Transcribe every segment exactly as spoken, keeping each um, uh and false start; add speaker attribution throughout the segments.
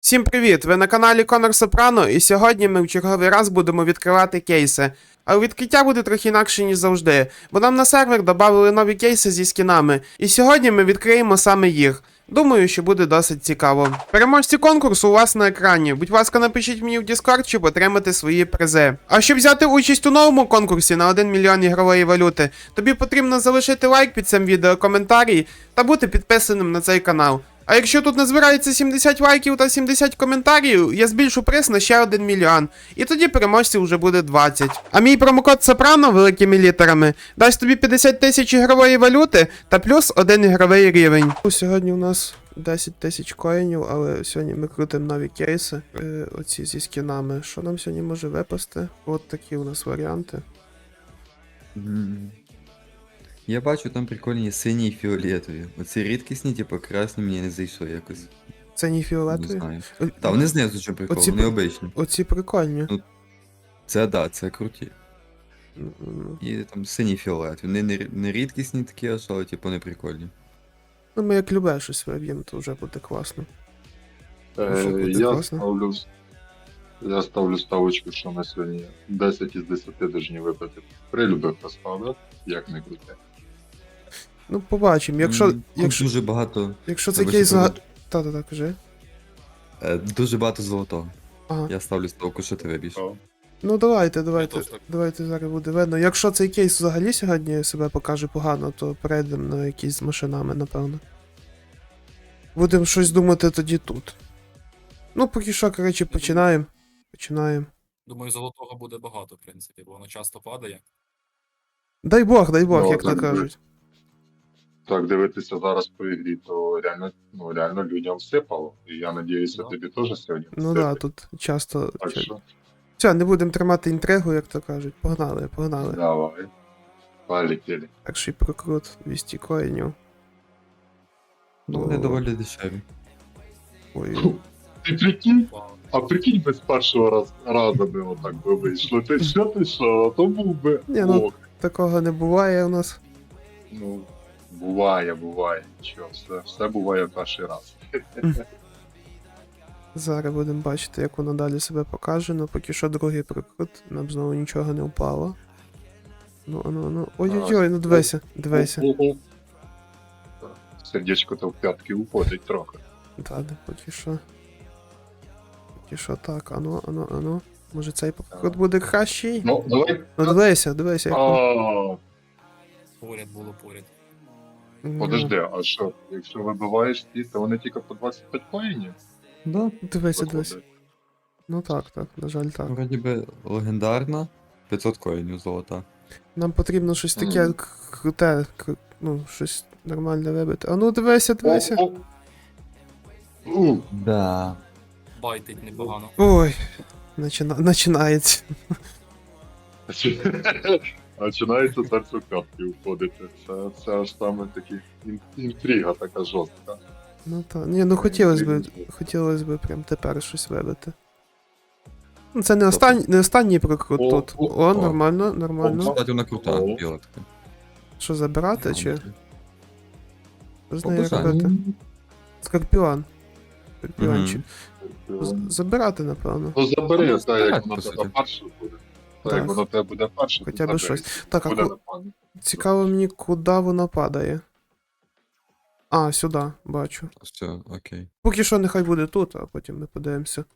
Speaker 1: Всім привіт! Ви на каналі Конор Сопрано, і сьогодні ми в черговий раз будемо відкривати кейси. Але відкриття буде трохи інакше, ніж завжди, бо нам на сервер додали нові кейси зі скінами, і сьогодні ми відкриємо саме їх. Думаю, що буде досить цікаво. Переможці конкурсу у вас на екрані. Будь ласка, напишіть мені в Discord, щоб отримати свої призи. А щоб взяти участь у новому конкурсі на один мільйон ігрової валюти, тобі потрібно залишити лайк під цим відео, коментарі та бути підписаним на цей канал. А якщо тут назбирається сімдесят лайків та сімдесят коментарів, я збільшу приз на ще один мільйон. І тоді переможців вже буде двадцять. А мій промокод Сопрано великими літерами дасть тобі п'ятдесят тисяч ігрової валюти та плюс один ігровий рівень. Сьогодні у нас десять тисяч коїнів, але сьогодні ми крутимо нові кейси. Е, оці зі скінами. Що нам сьогодні може випасти? От такі у нас варіанти.
Speaker 2: Mm. Я бачу, там прикольні сині і фіолетові. Оці рідкісні, типу, красні мені не зайшло якось.
Speaker 1: Це не
Speaker 2: Не
Speaker 1: фіолетові?
Speaker 2: знаю.
Speaker 1: О-
Speaker 2: Та вони знизу що прикол,
Speaker 1: Оці
Speaker 2: вони
Speaker 1: при-
Speaker 2: обичні.
Speaker 1: Оці прикольні.
Speaker 2: Ну, Це да, це круті.
Speaker 1: М,
Speaker 2: І там сині і фіолетові. Вони не, не рідкісні такі, аж, але типу не прикольні.
Speaker 1: Ну, ми як любе щось виб'ємо, то вже буде класно. Ну, що
Speaker 3: Е,
Speaker 1: буде
Speaker 3: я
Speaker 1: класно?
Speaker 3: ставлю я ставлю ставочку, що ми сьогодні десять із десяти должні випити. При любих розкладах, як не крути.
Speaker 1: Ну, побачимо. Якщо,
Speaker 2: М, тут
Speaker 1: якщо,
Speaker 2: Дуже багато.
Speaker 1: якщо це
Speaker 2: Вибачте,
Speaker 1: кейс... за-
Speaker 2: пробач.
Speaker 1: Та-та-та, кажи.
Speaker 2: Е, Дуже багато золотого.
Speaker 1: Ага.
Speaker 2: Я ставлю ставку, що ти виб'єш.
Speaker 3: О,
Speaker 1: Ну, давайте, давайте.
Speaker 4: теж так.
Speaker 1: Давайте зараз буде видно. Якщо цей кейс взагалі сьогодні себе покаже погано, то перейдемо на якісь з машинами, напевно. Будемо щось думати тоді тут. Ну, поки що, коротше, починаємо. Починаємо.
Speaker 4: Думаю, золотого буде багато, в принципі, бо воно часто падає.
Speaker 1: Дай Бог, дай Бог,
Speaker 3: Ну,
Speaker 1: як то
Speaker 3: так,
Speaker 1: кажуть.
Speaker 3: Так, дивитися зараз по ігрі, то реально, ну, реально людям всипало. І я надіюся,
Speaker 4: Да.
Speaker 3: тобі теж сьогодні
Speaker 1: Ну
Speaker 3: всипить.
Speaker 1: да, тут часто.
Speaker 3: Так
Speaker 1: ча-
Speaker 3: що,
Speaker 1: Все, не будемо тримати інтригу, як то кажуть. Погнали, погнали.
Speaker 3: давай. Полетіли.
Speaker 1: Перший прокрут двісті коїнів.
Speaker 2: Ну,
Speaker 1: О.
Speaker 2: вони доволі дешеві.
Speaker 1: Ой.
Speaker 3: Ти прикинь?
Speaker 4: Вау.
Speaker 3: А прикинь, без першого раз, разу би отак би вийшло. Ти що ти що? То був би.
Speaker 1: Ні, ну-
Speaker 3: Ох.
Speaker 1: Такого не буває у нас.
Speaker 3: Ну, буває, буває. Нічого, все, все буває перший раз.
Speaker 1: Зараз будемо бачити, як воно далі себе покаже. Ну, поки що другий прокрут, нам знову нічого не впало. Ну, ну, ну. Ой-ой-ой, ну дивися, дивися.
Speaker 3: О-о-о. Сердечко то в п'ятки уходить трохи.
Speaker 1: Та, де, поки що. Поки що так, ану, ану, ану. Може цей прокрут буде кращий?
Speaker 3: Ну, давай.
Speaker 1: Ну дивися, дивися, як.
Speaker 3: А,
Speaker 4: Поряд було поряд.
Speaker 1: Ну,
Speaker 3: подожди, а що? Якщо вибиваєш ті, то вони тільки по двадцять п'ять коїнів?
Speaker 2: Да,
Speaker 1: Дивися, дивися.
Speaker 3: виходить?
Speaker 1: Ну так, так, на жаль, так.
Speaker 2: вроді би легендарна. п'ятсот коїнів золота.
Speaker 1: Нам потрібно щось таке
Speaker 3: Мгм.
Speaker 1: к- круте, к- ну, щось нормальне вибити. А ну дивися, дивися.
Speaker 3: О, о. У,
Speaker 2: Да.
Speaker 4: Байтить непогано.
Speaker 1: Ой, начина... починається.
Speaker 3: Починається серце в п'ятки уходити. Це, це аж саме такі ін- інтрига така жорстка.
Speaker 1: Ну так. Ні, ну хотілося б, хотілося б прям тепер щось вибити. Ну, це не останній, не останній прокрут
Speaker 3: О,
Speaker 1: тут.
Speaker 3: о,
Speaker 1: О,
Speaker 2: о.
Speaker 1: нормально, нормально.
Speaker 2: Кстати, вона крута,
Speaker 3: О.
Speaker 2: біла така.
Speaker 1: Що, забирати чи? Що з нею
Speaker 2: Побажаю.
Speaker 1: робити? Скорпіон. Скорпіончик.
Speaker 2: Мгм.
Speaker 1: З- Забирати, напевно.
Speaker 3: Ну забери,
Speaker 2: Ну,
Speaker 3: так як
Speaker 2: так,
Speaker 3: воно
Speaker 2: по
Speaker 3: в тебе
Speaker 2: суті.
Speaker 3: перше буде. Так
Speaker 1: Так.
Speaker 3: як воно в тебе буде перше,
Speaker 1: Хоча
Speaker 3: то
Speaker 1: б
Speaker 3: забери.
Speaker 1: щось. Так, а
Speaker 3: Буде
Speaker 1: ку...
Speaker 3: нормально.
Speaker 1: цікаво мені, куди воно падає. А, сюди, бачу.
Speaker 2: Все, окей.
Speaker 1: Поки що нехай буде тут, а потім ми подивимося.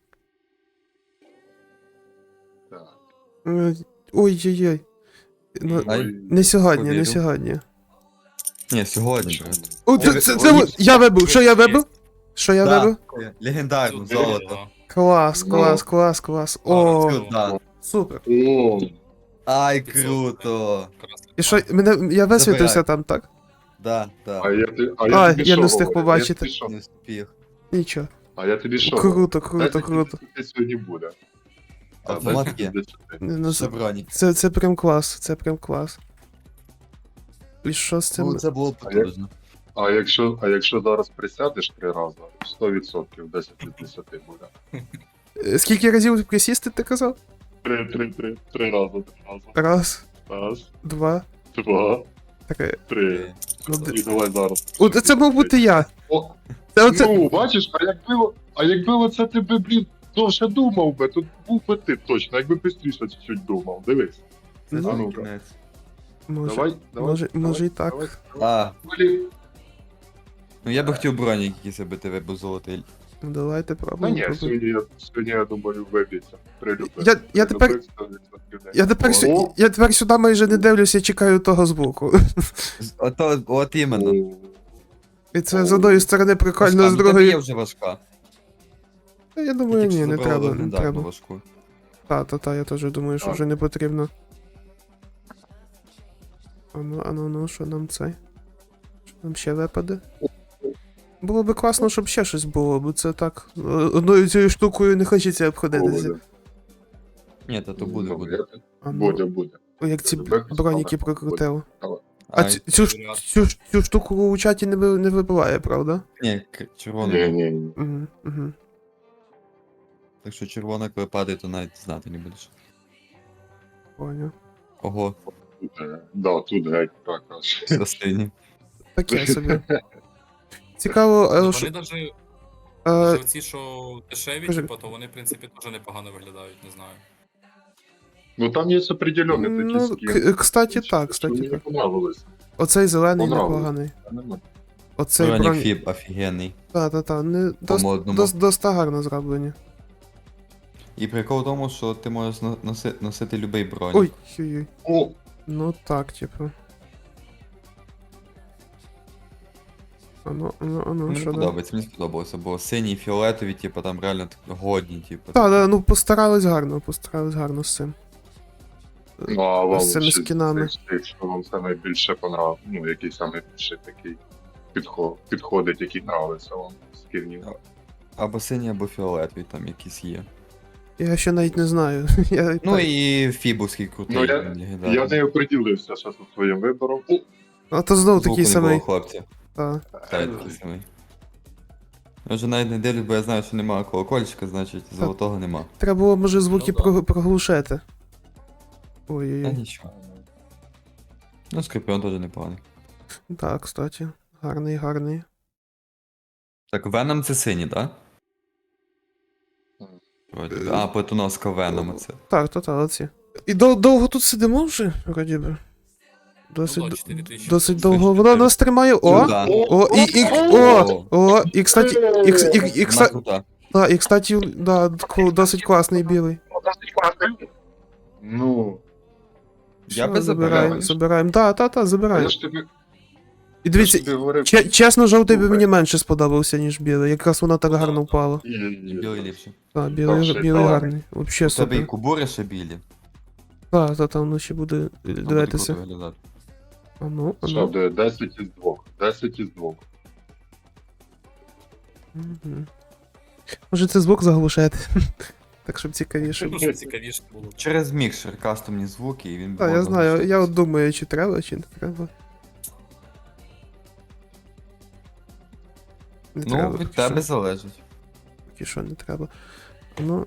Speaker 3: Так.
Speaker 1: Е, Ой-ой-ой. Ну,
Speaker 2: Ай.
Speaker 1: не сьогодні, не
Speaker 2: Повірю.
Speaker 1: сьогодні.
Speaker 2: Ні, сьогодні, брат.
Speaker 1: О, це,
Speaker 2: ви-
Speaker 1: це, це,
Speaker 2: ви-
Speaker 1: от- я вибив, що я вибив? Що я вибив?
Speaker 2: Легендарну,
Speaker 4: Тут
Speaker 2: золото.
Speaker 4: вийшло.
Speaker 1: Клас,
Speaker 3: Ну.
Speaker 1: клас, клас, клас.
Speaker 4: О,
Speaker 1: О,
Speaker 4: це-
Speaker 2: Да.
Speaker 1: супер.
Speaker 3: О,
Speaker 2: Ай, круто.
Speaker 4: Красний
Speaker 1: І що,
Speaker 4: план.
Speaker 1: мене, я висвітився
Speaker 2: Забирай.
Speaker 1: там, так?
Speaker 2: Да, да.
Speaker 3: а я, ти- а
Speaker 1: А,
Speaker 3: я тобі
Speaker 1: я
Speaker 3: що
Speaker 1: не встиг
Speaker 3: говорю?
Speaker 1: побачити.
Speaker 3: Я тобі що?
Speaker 2: Не встиг.
Speaker 1: Нічого.
Speaker 3: А я тобі що? говорю?
Speaker 1: Круто, круто,
Speaker 3: десять
Speaker 1: круто.
Speaker 3: із десяти сьогодні буде. А,
Speaker 2: Автомат
Speaker 3: десять із
Speaker 2: є.
Speaker 3: десяти.
Speaker 1: Не, ну, це,
Speaker 2: Шевроні.
Speaker 1: це, це прям клас, це прям клас. І що з цим?
Speaker 2: Ну, це було
Speaker 3: А як-
Speaker 2: потужно.
Speaker 3: А якщо, а якщо зараз присядеш три рази, сто відсотків десять із десяти буде.
Speaker 1: Е, Скільки разів присісти ти казав?
Speaker 3: Три, три, три, три рази, три рази.
Speaker 1: Раз,
Speaker 3: Раз,
Speaker 1: два,
Speaker 3: два,
Speaker 1: три.
Speaker 3: три.
Speaker 1: Ну, де-
Speaker 3: І давай зараз.
Speaker 1: О, це мав бути я.
Speaker 3: О,
Speaker 1: Це оце...
Speaker 3: ну, бачиш, а якби, А якби оце ти би, блін, довше думав би, то був би ти точно, якби бистріше чуть-чуть думав. Дивись.
Speaker 2: Це
Speaker 1: Ну,
Speaker 2: ж
Speaker 3: ну,
Speaker 2: кінець.
Speaker 1: Може,
Speaker 3: Давай, давай.
Speaker 1: може,
Speaker 3: давай,
Speaker 1: може і так.
Speaker 3: давай,
Speaker 2: А,
Speaker 3: Блін.
Speaker 2: ну я би хотів бронік якийсь, аби тебе був золотий.
Speaker 1: Давайте
Speaker 3: Та
Speaker 1: пробуємо.
Speaker 3: ні,
Speaker 1: пробуємо.
Speaker 3: сьогодні, я- сьогодні, я думаю, виб'ється. Прилюбив.
Speaker 1: Я- я тепер-
Speaker 3: Прилюбив сто відсотків день.
Speaker 1: Я тепер, сю...
Speaker 3: О,
Speaker 1: я тепер сюди майже не дивлюся, чекаю того звуку.
Speaker 2: Ото, от іменно.
Speaker 3: о.
Speaker 1: І це з одної сторони прикольно,
Speaker 2: Важка,
Speaker 1: з
Speaker 2: ну, тобі є
Speaker 1: другої.
Speaker 2: вже важка.
Speaker 1: Та Я
Speaker 2: Ти
Speaker 1: думаю,
Speaker 2: тільки
Speaker 1: ні,
Speaker 2: що
Speaker 1: не
Speaker 2: забрала
Speaker 1: треба, не
Speaker 2: легендарну
Speaker 1: треба.
Speaker 2: важку.
Speaker 1: Та, та, та, я теж думаю, що
Speaker 3: Так.
Speaker 1: вже не потрібно. Ану, ану, ну, що нам цей? Що нам ще випаде? Було би класно, щоб ще щось було, бо це так. е, Одною цією штукою не хочеться обходитися.
Speaker 3: Буде.
Speaker 2: Ні, та то буде,
Speaker 3: Ну,
Speaker 2: буде.
Speaker 3: я-
Speaker 1: Ану,
Speaker 3: Буде, буде.
Speaker 1: о, як ці
Speaker 3: Тебе
Speaker 1: броніки
Speaker 3: справа.
Speaker 1: прокрутило. А
Speaker 2: А,
Speaker 1: ці- цю, ж- цю, ж- цю штуку у чаті не, ви- не вибиває, правда?
Speaker 2: ні, к- червона.
Speaker 3: Ні, ні, ні.
Speaker 1: Угу, угу.
Speaker 2: Так що червона, коли падає, то навіть знати не будеш.
Speaker 1: Поняв.
Speaker 2: Ого,
Speaker 3: Тут, е, да, тут геть так аж.
Speaker 2: красині.
Speaker 1: Таке собі. Цікаво, е,
Speaker 4: Вони
Speaker 1: що.
Speaker 4: навіть
Speaker 1: Е,
Speaker 4: ці, що дешеві,
Speaker 1: кажи.
Speaker 4: типу, то вони, в принципі, теж непогано виглядають, не знаю.
Speaker 3: Ну там є определенні такі
Speaker 1: ну,
Speaker 3: скини.
Speaker 1: к- кстати,
Speaker 3: Що
Speaker 1: так, кстати,
Speaker 3: мені
Speaker 1: так.
Speaker 3: понравилось.
Speaker 1: Оцей зелений
Speaker 3: Понравилось.
Speaker 1: непоганий.
Speaker 3: А нема.
Speaker 1: Оцей
Speaker 2: Бронік
Speaker 1: бронь.
Speaker 2: фіб офігенний.
Speaker 1: Та, та, та. Не,
Speaker 2: По
Speaker 1: дос,
Speaker 2: модному.
Speaker 1: дос, доста гарно зроблені.
Speaker 2: І прикол в тому, що ти можеш но- носи, носити любий бронік.
Speaker 1: Ой, ой,
Speaker 3: О,
Speaker 1: ну так, типу. Ану, ану, ану,
Speaker 2: Мені
Speaker 1: що да?
Speaker 2: подобається, мені сподобалося, бо сині і фіолетові, типу, там реально так годні, типу.
Speaker 1: Так, да, ну постарались гарно, постарались гарно з цим.
Speaker 3: ну а вам
Speaker 1: З цими
Speaker 3: ще
Speaker 1: скінами.
Speaker 3: з тих, що вам саме більше понравилось, ну який саме більше такий підход, підходить, який нравиться вам з скінів.
Speaker 2: Або сині, або фіолетові там якісь є.
Speaker 1: Я ще навіть не знаю. Я,
Speaker 2: Ну
Speaker 1: так.
Speaker 2: і фібовський крутий.
Speaker 3: Ну, я-
Speaker 2: він легендарний.
Speaker 3: Я не оприділився ще зі своїм вибором. О,
Speaker 1: А то знов
Speaker 2: Звуку
Speaker 1: такий
Speaker 2: не
Speaker 1: самий.
Speaker 2: було, хлопці.
Speaker 1: Та.
Speaker 2: Та, я такий самий. Я вже навіть не дивлюсь, бо я знаю, що немає колокольчика, значить золотого нема.
Speaker 1: Треба було, може, звуки
Speaker 4: Ну, да.
Speaker 1: про- проглушити.
Speaker 2: Та
Speaker 1: Ой-ой-ой.
Speaker 2: нічого. Ну, скорпіон теж непоганий.
Speaker 1: Так, кстати. Гарний, гарний.
Speaker 2: Так, Веном це синій, так? Вроді би. А, плетоноска Веном це.
Speaker 1: Так, то та, оці. І дов- довго тут сидимо вже, вроді би. Досить,
Speaker 4: Ну, да,
Speaker 1: д-
Speaker 4: чотири тисячі.
Speaker 1: досить довго. Воно нас тримає. О!
Speaker 2: Ну, да.
Speaker 1: О, і, і, о, о, і, кстати, і, кс- і, і,
Speaker 2: Вона
Speaker 1: кстати,
Speaker 2: крута.
Speaker 1: да, і, кстати, да, ку- досить класний білий.
Speaker 3: ну,
Speaker 2: Я
Speaker 1: Все,
Speaker 2: би
Speaker 1: забираємо,
Speaker 2: забирав.
Speaker 1: забираємо. Да, та, та,
Speaker 3: а
Speaker 1: забираємо.
Speaker 3: я ж тобі,
Speaker 1: І
Speaker 3: я ж
Speaker 1: дивіться,
Speaker 3: тобі говорив,
Speaker 1: че- чесно, жовтий би
Speaker 3: Слухай.
Speaker 1: мені менше сподобався, ніж білий. Якраз воно так
Speaker 4: Ну, да,
Speaker 1: гарно
Speaker 4: так.
Speaker 1: впало.
Speaker 3: і- і-
Speaker 2: І білий ліпше.
Speaker 1: Так, білий,
Speaker 3: ще й
Speaker 1: білий
Speaker 3: талант.
Speaker 1: гарний. Вообще
Speaker 2: У тебе і
Speaker 1: супер.
Speaker 2: кубури ще білі.
Speaker 1: Так, та, там воно ще буде е,
Speaker 2: Там буде
Speaker 1: дивитися.
Speaker 2: круто виглядати.
Speaker 1: А ну, а
Speaker 3: Що
Speaker 1: ну.
Speaker 3: буде десять із двох. десять із двох.
Speaker 1: Мгм. Може це звук заглушити. Так, щоб цікавіше.
Speaker 4: Ну, щоб цікавіше було.
Speaker 2: Через мікшер кастомні звуки, і він
Speaker 1: Так, я
Speaker 2: може
Speaker 1: знаю, я
Speaker 2: заглушитися.
Speaker 1: от думаю, чи треба, чи не треба. Не
Speaker 2: Ну,
Speaker 1: треба,
Speaker 2: від
Speaker 1: поки
Speaker 2: тебе
Speaker 1: що.
Speaker 2: залежить.
Speaker 1: Поки що не треба. Ну,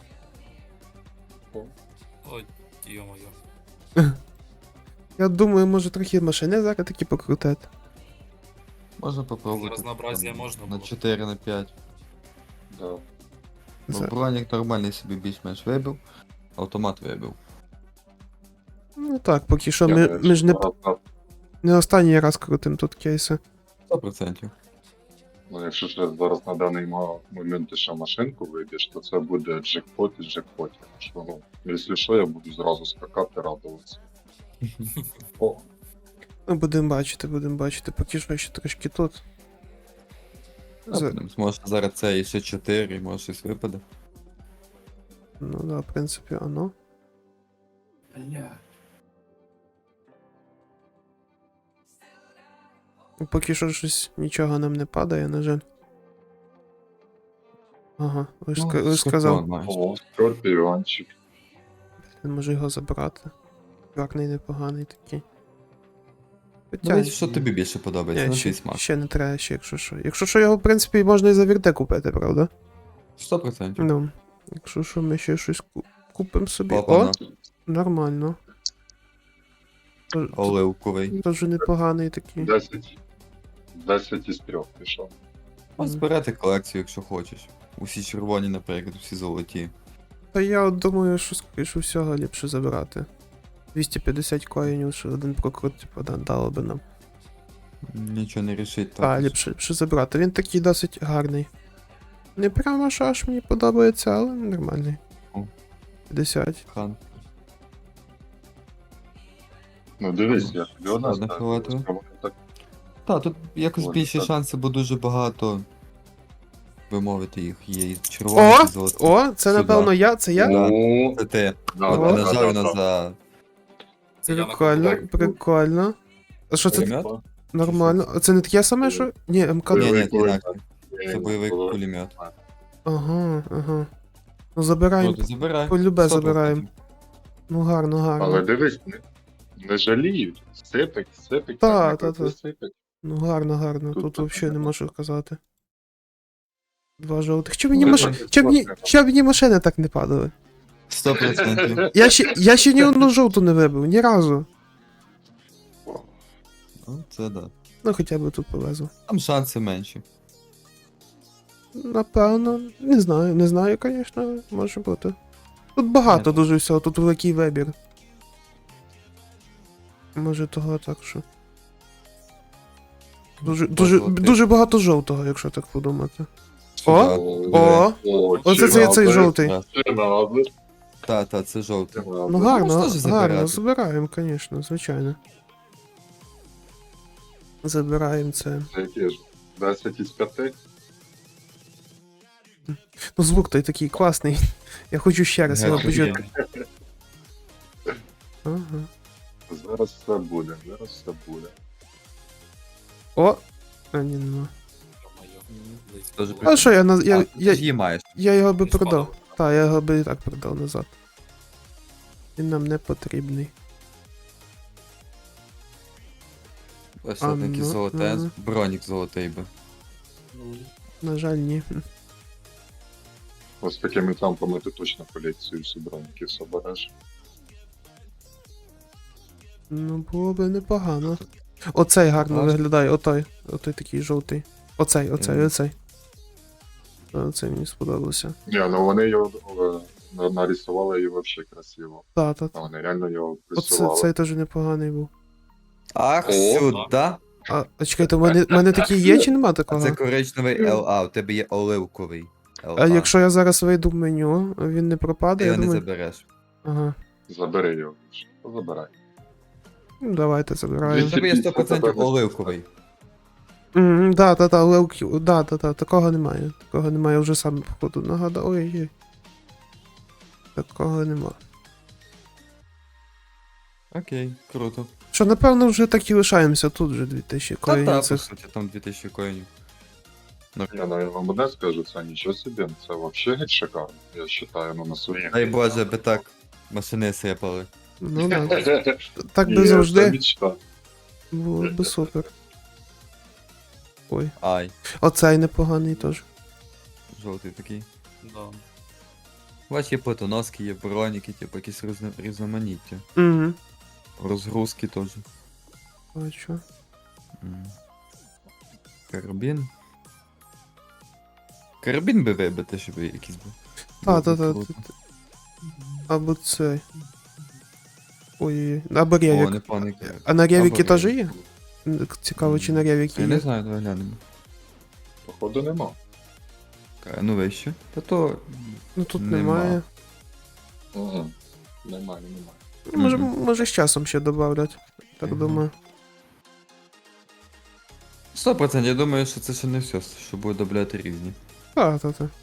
Speaker 4: Ой, йо-моє.
Speaker 1: я думаю, може трохи машини зараз такі покрутити.
Speaker 2: Можна попробувати.
Speaker 4: За разнообразие
Speaker 2: там,
Speaker 4: можна
Speaker 2: На
Speaker 4: було.
Speaker 2: чотири, на п'ять.
Speaker 3: Да.
Speaker 2: Бо
Speaker 1: За-
Speaker 2: бронік нормальний собі більш-менш вибив. Автомат вибив.
Speaker 1: Ну так, поки що
Speaker 3: Я
Speaker 1: ми,
Speaker 3: навіть
Speaker 1: ми ж не,
Speaker 3: зараз на-
Speaker 1: не останній раз крутим тут кейси.
Speaker 2: сто процентів.
Speaker 3: Ну, якщо ще зараз на даний ма- момент ти ще машинку виб'єш, то це буде джекпот із джекпотів. Що, ну, якщо що, я буду зразу скакати, радуватися. О,
Speaker 1: Ну, будемо бачити, будемо бачити, поки що ще трошки тут. За-
Speaker 2: Може зараз це і ще чотири, може щось випаде.
Speaker 1: Ну да, в принципі, оно. Ну, поки що щось нічого нам не падає, на жаль. Ага, ви ж, ска- ви ж сказав,
Speaker 2: скорпіон маєш.
Speaker 3: о, скорпіончик.
Speaker 1: не можу його забрати. Гарний, непоганий такий. Хоча,
Speaker 2: Дивись, що тобі більше подобається,
Speaker 1: ні,
Speaker 2: на
Speaker 1: ще,
Speaker 2: твій смак.
Speaker 1: ще не треба, ще якщо що. Якщо що, його, в принципі, можна і за вірте купити, правда?
Speaker 2: сто процентів.
Speaker 1: Ну, якщо що, ми ще щось ку- купимо собі.
Speaker 2: Папа,
Speaker 1: О, нормально. Тож-
Speaker 2: оливковий.
Speaker 1: Тож непоганий такий.
Speaker 3: десять. десять із трьох пішов.
Speaker 2: Можеш збирати колекцію, якщо хочеш. Усі червоні, наприклад, усі золоті.
Speaker 1: Та я от думаю, що скоріше всього ліпше забирати. двісті п'ятдесят коїнів, що один прокрут, типу, да, дало би нам.
Speaker 2: Нічого не рішить.
Speaker 1: Так, ліпше, ліпше забирати. Він такий досить гарний. Не прямо що аж мені подобається, але нормальний.
Speaker 2: О.
Speaker 1: п'ятдесят.
Speaker 2: Хан.
Speaker 3: Ну дивись, я тобі одна
Speaker 2: Ладно,
Speaker 3: ставлю.
Speaker 2: хватило.
Speaker 3: Вони так
Speaker 2: Так, тут якось
Speaker 3: Ладно,
Speaker 2: більші
Speaker 3: так.
Speaker 2: шанси, бо дуже багато. Ви мовити їх є і червоних,
Speaker 1: О!
Speaker 2: і золотих.
Speaker 1: О, це
Speaker 2: Сюди.
Speaker 1: напевно я, це я?
Speaker 2: Да.
Speaker 3: Ну,
Speaker 2: Це ти.
Speaker 3: да,
Speaker 2: От
Speaker 1: О.
Speaker 3: да,
Speaker 2: нажав
Speaker 3: да,
Speaker 2: на
Speaker 3: да.
Speaker 2: за
Speaker 4: Це я на
Speaker 1: Прикольно,
Speaker 3: Так,
Speaker 1: прикольно. А що це
Speaker 2: Пулемет?
Speaker 1: нормально? А це не таке саме, що. Ні, МК.
Speaker 2: Ні,
Speaker 3: Бойовий
Speaker 2: ні,
Speaker 3: кулемет.
Speaker 2: інакше.
Speaker 3: Ні,
Speaker 2: Це бойовий
Speaker 3: було.
Speaker 2: пулемет.
Speaker 1: Ага, ага. Ну забираємо.
Speaker 2: Круто, забирай.
Speaker 1: полюбе
Speaker 2: сто
Speaker 1: забираємо.
Speaker 2: процентів.
Speaker 1: Ну гарно, гарно.
Speaker 3: Але дивись, не, не жаліють. Сипить, сипить,
Speaker 1: Та,
Speaker 3: так,
Speaker 1: та,
Speaker 3: так,
Speaker 1: та.
Speaker 3: сипить.
Speaker 1: Ну гарно, гарно.
Speaker 3: Тут
Speaker 1: Тут
Speaker 3: так
Speaker 1: взагалі не
Speaker 3: нема.
Speaker 1: можу казати. Два жовтих. Чому мені
Speaker 3: Ну,
Speaker 1: маш...
Speaker 3: це
Speaker 1: Чому мені...
Speaker 3: класно.
Speaker 1: Чому мені машини так не падали?
Speaker 2: Сто процентів.
Speaker 1: Я ще, я ще ні одну жовту не вибив, ні разу.
Speaker 2: Ну, це да.
Speaker 1: Ну хоча б тут повезло.
Speaker 2: Там шанси менші.
Speaker 1: Напевно, не знаю, не знаю, звісно, може бути. Тут багато
Speaker 2: Ні.
Speaker 1: дуже всього, тут великий вибір. Може того так що. Дуже, дуже,
Speaker 2: Золотих.
Speaker 1: дуже багато жовтого, якщо так подумати.
Speaker 2: Сюди.
Speaker 1: О!
Speaker 3: О,
Speaker 1: Оце цей, цей
Speaker 3: чинаби,
Speaker 1: жовтий.
Speaker 2: Так.
Speaker 3: чинаби,
Speaker 2: Та, та, це жовтий.
Speaker 3: чинаби.
Speaker 1: Ну гарно,
Speaker 2: можна ж
Speaker 1: гарно,
Speaker 2: забирати.
Speaker 1: забираємо, звісно, звичайно. Забираємо це.
Speaker 3: Це які ж? десять із п'яти?
Speaker 1: Ну звук той такий класний. Я хочу ще раз його
Speaker 2: Офігенно.
Speaker 1: почути. Ага.
Speaker 3: Зараз все буде, зараз все буде.
Speaker 1: О! А, ні, нема.
Speaker 4: Близько
Speaker 2: Дуже
Speaker 4: було.
Speaker 1: А що я на. Я,
Speaker 2: А,
Speaker 1: я,
Speaker 2: ти ж її маєш.
Speaker 1: я його би
Speaker 4: Він
Speaker 1: продав.
Speaker 4: спадав.
Speaker 1: Так, я його би і так продав назад. Він нам не потрібний.
Speaker 2: Ось
Speaker 1: А,
Speaker 2: одне
Speaker 1: ну,
Speaker 2: золоте,
Speaker 1: ага.
Speaker 2: бронік золотий би.
Speaker 1: На жаль, ні.
Speaker 3: Ось такими темпами ти точно колекцію всі броніків собереш.
Speaker 1: Ну, було би непогано. Оцей гарно
Speaker 2: Клас.
Speaker 1: виглядає, отой. Отой такий жовтий. Оцей, оцей,
Speaker 2: Мгм.
Speaker 1: оцей. Оцей мені сподобався.
Speaker 3: Ні, ну вони його е, на- нарисували і взагалі красиво.
Speaker 1: Та, та, та.
Speaker 3: Вони реально його
Speaker 1: Оце,
Speaker 3: рисували.
Speaker 1: цей теж непоганий був.
Speaker 2: Ах,
Speaker 3: О,
Speaker 2: сюди.
Speaker 1: А, а чекайте, у мене, у мене такий є чи нема
Speaker 2: А
Speaker 1: такого?
Speaker 2: це коричневий ел а, у тебе є оливковий ел а.
Speaker 1: А якщо я зараз вийду в меню, він не
Speaker 2: ти
Speaker 1: пропаде, я
Speaker 2: його не
Speaker 1: думаю.
Speaker 2: забереш.
Speaker 1: Ага.
Speaker 3: Забери його. Ну, забирай.
Speaker 1: Ну, давайте забираємо.
Speaker 2: У тебе є сто процентів оливковий.
Speaker 1: Мгм, да, да, да, Леуків, да, да, да, такого немає. Такого немає, я вже сам походу нагадав. Ой-ой. Такого нема.
Speaker 2: Окей, круто.
Speaker 1: Що, напевно, вже так і лишаємося тут вже дві тисячі
Speaker 2: Та та,
Speaker 1: коїнів
Speaker 2: по
Speaker 1: цих.
Speaker 2: суті, там дві тисячі коїнів.
Speaker 3: Я, ну, я вам одне скажу, це нічого собі, це взагалі геть шикарно. Я вважаю, ну на своїх.
Speaker 2: Дай Боже, би так машини сипали.
Speaker 1: Ну да. Так
Speaker 3: Ні,
Speaker 1: би
Speaker 3: це
Speaker 1: завжди
Speaker 3: мечта.
Speaker 1: було би супер. Ой.
Speaker 2: Ай,
Speaker 1: Оцей непоганий теж.
Speaker 2: жовтий такий.
Speaker 4: Да.
Speaker 2: Бач, є плитоноски, є броніки, типу якісь різно- різноманіття.
Speaker 1: Угу.
Speaker 2: Розгрузки теж.
Speaker 1: Бачу.
Speaker 2: М. Карабін. Карабін би вибити, щоб якийсь був.
Speaker 1: Та,
Speaker 2: Було
Speaker 1: та,
Speaker 2: б
Speaker 1: та.
Speaker 2: круто.
Speaker 1: Або цей. Ой, або
Speaker 2: О,
Speaker 1: ревік.
Speaker 2: непоганий карабін.
Speaker 1: А на ревіки
Speaker 2: Або
Speaker 1: теж
Speaker 2: ревік.
Speaker 1: є? Цікаво, чи на ревіки
Speaker 2: Я не
Speaker 1: є.
Speaker 2: знаю, давай глянемо.
Speaker 3: Походу нема.
Speaker 2: Ка- Ну вище. Та то.
Speaker 1: Ну тут
Speaker 2: Нема.
Speaker 1: немає.
Speaker 3: Угу. Немає, немає.
Speaker 1: Ну, Може,
Speaker 2: Мгм.
Speaker 1: може з часом ще добавлять. Так
Speaker 2: Мгм.
Speaker 1: думаю.
Speaker 2: сто процентів, я думаю, що це ще не все, що буде добавляти різні.
Speaker 1: А, та, та.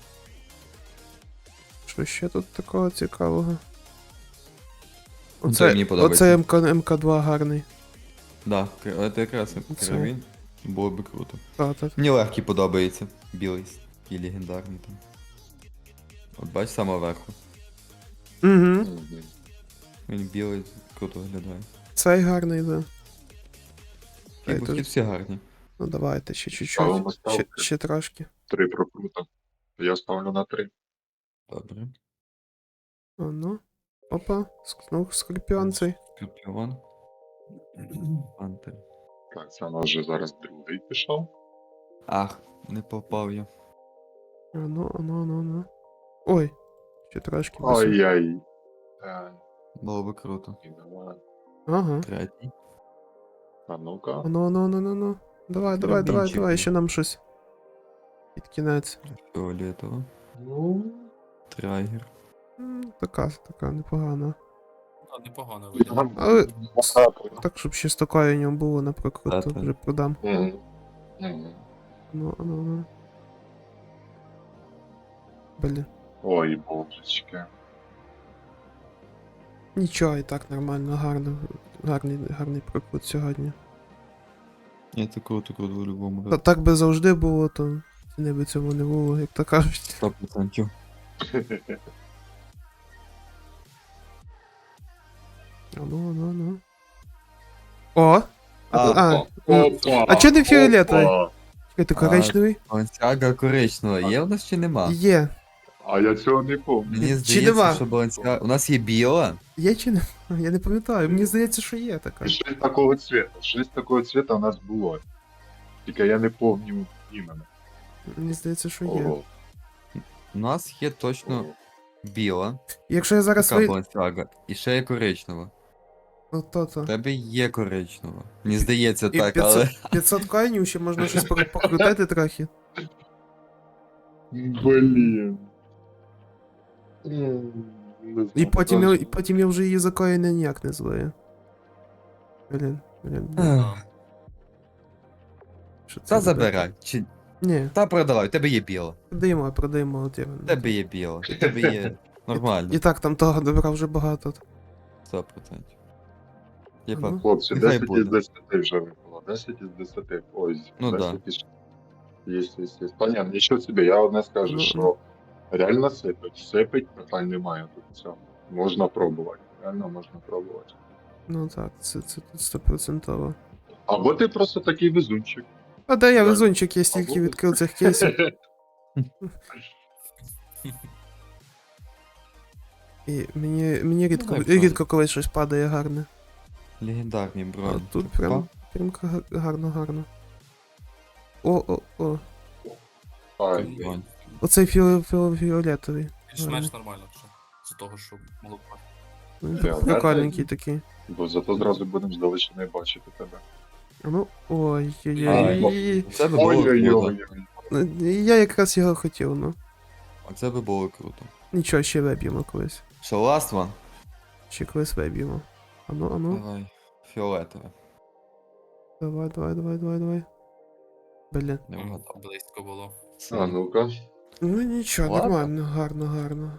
Speaker 1: Що ще тут такого цікавого?
Speaker 2: Ну, це мені подобається.
Speaker 1: Оце МК, МК2 гарний.
Speaker 2: Да, к- це якраз
Speaker 1: Це.
Speaker 2: карабін. Було би круто.
Speaker 1: Та, та, та.
Speaker 2: Мені легкий подобається. Білий і легендарний там. От бач саме верху.
Speaker 1: Угу.
Speaker 3: Мгм.
Speaker 2: Він білий, круто виглядає.
Speaker 1: Цей гарний, да. Цей
Speaker 2: Фігурки
Speaker 1: теж.
Speaker 2: всі гарні.
Speaker 1: Ну давайте ще чуть-чуть.
Speaker 3: Ставимо
Speaker 1: Ще,
Speaker 3: ставки.
Speaker 1: ще трошки.
Speaker 3: Три прокрута. Я ставлю на три.
Speaker 2: Добре.
Speaker 1: А ну. Опа, ск- ну, скорпіон цей.
Speaker 2: Скорпіон. Пантер.
Speaker 3: Так, це у нас вже зараз другий пішов.
Speaker 2: Ах, не попав я.
Speaker 1: А ну, а ну, а ну, а ну. Ой, ще трошки. без-
Speaker 3: Ай-яй. Е,
Speaker 2: Було би круто.
Speaker 3: і давай.
Speaker 1: Ага.
Speaker 2: Третій.
Speaker 3: А ну-ка.
Speaker 1: А ну, а ну, а ну, а ну, а ну. Давай, давай, давай,
Speaker 2: Рубінчик
Speaker 1: давай,
Speaker 2: був.
Speaker 1: ще нам щось. Під кінець.
Speaker 2: Фіолетово.
Speaker 3: Ну,
Speaker 2: Трайгер.
Speaker 1: М, Така, така непогана.
Speaker 4: А, непогано виглядає.
Speaker 1: Але
Speaker 3: багато.
Speaker 1: так, щоб ще з такою ньому було, наприклад, то
Speaker 2: Та-та.
Speaker 1: вже продам.
Speaker 3: Мгм. Мгм.
Speaker 1: Ну, а ну, а ну. Блін.
Speaker 3: Ой, божечки.
Speaker 1: Нічого, і так нормально, гарно. Гарний, гарний прокрут сьогодні.
Speaker 2: Ні, це круто, круто в будь-якому
Speaker 1: Та так би завжди було, то ціни би цьому не було, як то кажуть.
Speaker 2: сто відсотків.
Speaker 1: А ну, а ну, а ну. О! А,
Speaker 2: А,
Speaker 1: а,
Speaker 3: Опа,
Speaker 1: м,
Speaker 3: опа,
Speaker 1: а чого не фіолетовий?
Speaker 3: опа.
Speaker 1: Чекайте,
Speaker 2: А.
Speaker 1: коричневий?
Speaker 2: Балансіага коричнева є в нас чи нема?
Speaker 1: Є.
Speaker 3: А я цього не пам'ятаю.
Speaker 2: Мені
Speaker 1: Чи
Speaker 2: здається,
Speaker 1: нема?
Speaker 2: що балансіага... У нас є біла.
Speaker 1: Є чи не? Я не пам'ятаю, мені здається, що є така.
Speaker 3: Щось такого цвета. Щось такого цвета у нас було. Тільки я не пам'ятаю іменно.
Speaker 1: Мені здається, що є.
Speaker 3: Ого.
Speaker 2: У нас є точно
Speaker 3: Ого.
Speaker 2: біла,
Speaker 1: Якщо я зараз
Speaker 2: така
Speaker 1: ви...
Speaker 2: балансіага, і ще є коричнева.
Speaker 1: Ну, то то.
Speaker 2: У тебе є коричнева. Мені здається
Speaker 1: І
Speaker 2: так,
Speaker 1: п'ятсот,
Speaker 2: але...
Speaker 1: п'ятсот коїнів ще можна щось пок- покрутити трохи.
Speaker 3: Блін. М, не
Speaker 1: І
Speaker 3: знаю,
Speaker 1: потім, я,
Speaker 3: даже-
Speaker 1: і потім я вже її за коїни ніяк не злою. Блін, блін, блін.
Speaker 2: Ех,
Speaker 1: Що це
Speaker 2: Та
Speaker 1: буде?
Speaker 2: забирай. Чи...
Speaker 1: Ні,
Speaker 2: Та продавай, у тебе є біла.
Speaker 1: продаємо, продаємо от іменно.
Speaker 2: У тебе є біла. У тебе є нормально.
Speaker 1: І так там того добра вже багато.
Speaker 2: сто відсотків.
Speaker 1: Ну.
Speaker 2: Типа,
Speaker 3: Хлопці,
Speaker 2: Нехай
Speaker 3: десять
Speaker 2: буде.
Speaker 3: із десяти вже випало. десять із десяти. Ой,
Speaker 2: Ну
Speaker 3: десять із... Есть, есть, есть. Понятно, нічого собі, я одне скажу,
Speaker 1: Ну,
Speaker 3: що реально сипить. Сипить, питань немає тут цього. Можна пробувати. Реально можна пробувати.
Speaker 1: Ну так, це, це тут стопроцентово.
Speaker 3: Або ти просто такий везунчик.
Speaker 1: А де я
Speaker 3: Да.
Speaker 1: везунчик, я стільки
Speaker 3: Або-
Speaker 1: відкрив цих кейсів. І мені, мені рідко,
Speaker 2: Ну, так,
Speaker 1: рідко колись щось падає гарне.
Speaker 2: легендарні
Speaker 1: А
Speaker 2: броні.
Speaker 1: тут
Speaker 2: Типа,
Speaker 1: прям, прям га- гарно, гарно. О, о, о.
Speaker 3: Ай,
Speaker 2: бронь.
Speaker 1: Оцей фіо, фіо, фіолетовий.
Speaker 4: Більш-менш нормально, що з того, що могло б.
Speaker 1: Він
Speaker 3: Фіолетовий?
Speaker 1: прикольненький такий.
Speaker 3: бо зато зразу будемо здалечини бачити тебе.
Speaker 1: А ну, ой, ой,
Speaker 2: Ай,
Speaker 1: ой.
Speaker 2: Це би було круто.
Speaker 3: Ой-ой-ой.
Speaker 1: Я якраз його хотів, ну.
Speaker 2: Оце би було круто.
Speaker 1: Нічого, ще виб'ємо колись.
Speaker 2: Що, last one?
Speaker 1: Ще колись виб'ємо. А ну, а ну.
Speaker 2: Давай. Фіолетове.
Speaker 1: Давай, давай, давай, давай, давай. Блін.
Speaker 2: Не
Speaker 4: М,
Speaker 2: вгадав.
Speaker 4: Близько було.
Speaker 3: А ну-ка.
Speaker 1: Ну нічого,
Speaker 2: Ладно.
Speaker 1: нормально, гарно, гарно.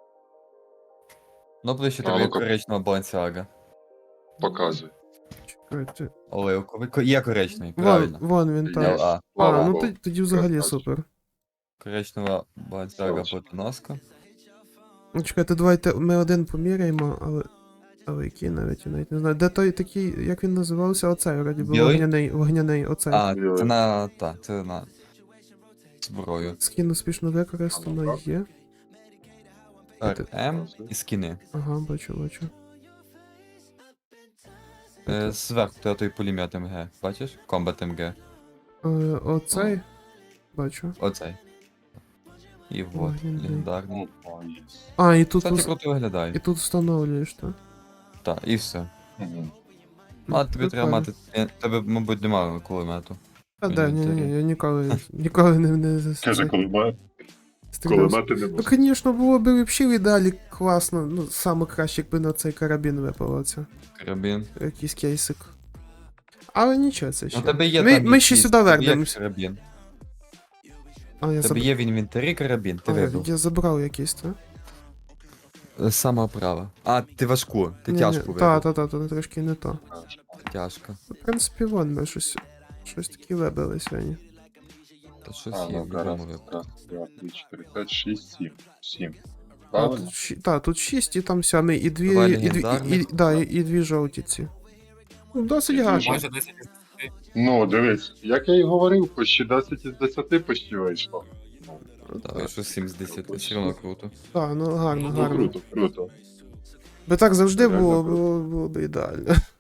Speaker 2: Ну, ближче
Speaker 3: А,
Speaker 2: тобі
Speaker 3: ну-ка.
Speaker 2: коричнева балансіага.
Speaker 3: Показуй.
Speaker 1: Чекайте.
Speaker 2: Оливковий. Ко- Є коричневий,
Speaker 1: Вон,
Speaker 2: правильно.
Speaker 1: вон він там.
Speaker 3: Є.
Speaker 2: Л А.
Speaker 1: А,
Speaker 3: Слава
Speaker 1: ну
Speaker 3: Богу.
Speaker 1: тоді, тоді взагалі
Speaker 3: Красавчик.
Speaker 1: супер.
Speaker 2: Коричнева балансіага
Speaker 3: Красавчик.
Speaker 2: потоноска.
Speaker 1: Ну чекайте, давайте ми один поміряємо, але. Але який навіть я навіть не знаю. Де той такий, як він називався? Оцей, вроді би,
Speaker 2: Білий?
Speaker 1: вогняний, вогняний, оцей.
Speaker 2: А,
Speaker 3: Білий.
Speaker 2: це на... та, це на... зброю.
Speaker 1: Скін успішно використано
Speaker 3: Ага.
Speaker 1: є.
Speaker 2: Так, М і скіни.
Speaker 1: Ага, бачу, бачу.
Speaker 2: Е, Зверху тебе той пулемет М Г. Бачиш? Комбат М Г.
Speaker 1: Е, оцей. Бачу.
Speaker 2: Оцей. І вот,
Speaker 1: Вогняний.
Speaker 2: легендарний.
Speaker 3: Опа, є.
Speaker 1: А, і тут,
Speaker 2: Кстати,
Speaker 1: вс-
Speaker 2: круто виглядає.
Speaker 1: і тут встановлюєш, так?
Speaker 2: Так, і все.
Speaker 3: Мгм.
Speaker 2: Ну, а тобі треба
Speaker 1: Прикольно.
Speaker 2: мати... е, Тебе, мабуть, немає кулемету.
Speaker 1: А, да, ні, ні,
Speaker 2: інвентарі.
Speaker 1: я ніколи, ніколи не, не
Speaker 3: Каже, коли має,
Speaker 1: стрілявся.
Speaker 3: коли мати не
Speaker 1: Ну,
Speaker 3: може.
Speaker 1: звісно, було б взагалі в ідеалі класно. Ну, саме краще, якби на цей карабін випав оце.
Speaker 2: Карабін.
Speaker 1: Якийсь кейсик. Але нічого, це ще.
Speaker 2: Ну, тебе є
Speaker 1: ми,
Speaker 2: там
Speaker 1: ми ще
Speaker 2: якийсь-
Speaker 1: сюди
Speaker 2: тебе є
Speaker 1: вернемось.
Speaker 2: карабін.
Speaker 1: А, я,
Speaker 2: Тебе
Speaker 1: заб...
Speaker 2: є в інвентарі карабін, ти
Speaker 1: а,
Speaker 2: вибив.
Speaker 1: я забрав якийсь, так?
Speaker 2: З самого права. А, ти важку, ти тяжку вибив.
Speaker 1: Так, так, так, так, трошки не то.
Speaker 2: Тяжко.
Speaker 1: В принципі, вон ми щось, щось таке вибили сьогодні.
Speaker 2: Та щось
Speaker 3: А,
Speaker 2: є
Speaker 3: ну,
Speaker 2: в
Speaker 3: раз,
Speaker 2: любому випадку.
Speaker 3: раз, два, три, чотири, п'ять, шість, сім. Сім.
Speaker 1: А,
Speaker 3: Правильно?
Speaker 1: тут, щ- та, тут шість і там сьомий, і дві,
Speaker 2: Два
Speaker 1: і, дві, і, і,
Speaker 2: легендарних.
Speaker 1: да, і, і дві жовті ці. Ну, досить
Speaker 3: І дві
Speaker 1: гарно.
Speaker 4: Майже десять із десяти.
Speaker 3: Ну, дивись, як я і говорив, почти десять із десяти почти вийшло. Ну,
Speaker 2: Так, що сім з десяти, все одно круто.
Speaker 1: Так, ну гарно,
Speaker 3: ну,
Speaker 1: гарно.
Speaker 3: круто, круто.
Speaker 1: Би так завжди
Speaker 3: Реально
Speaker 1: було,
Speaker 3: круто.
Speaker 1: було, було б ідеально.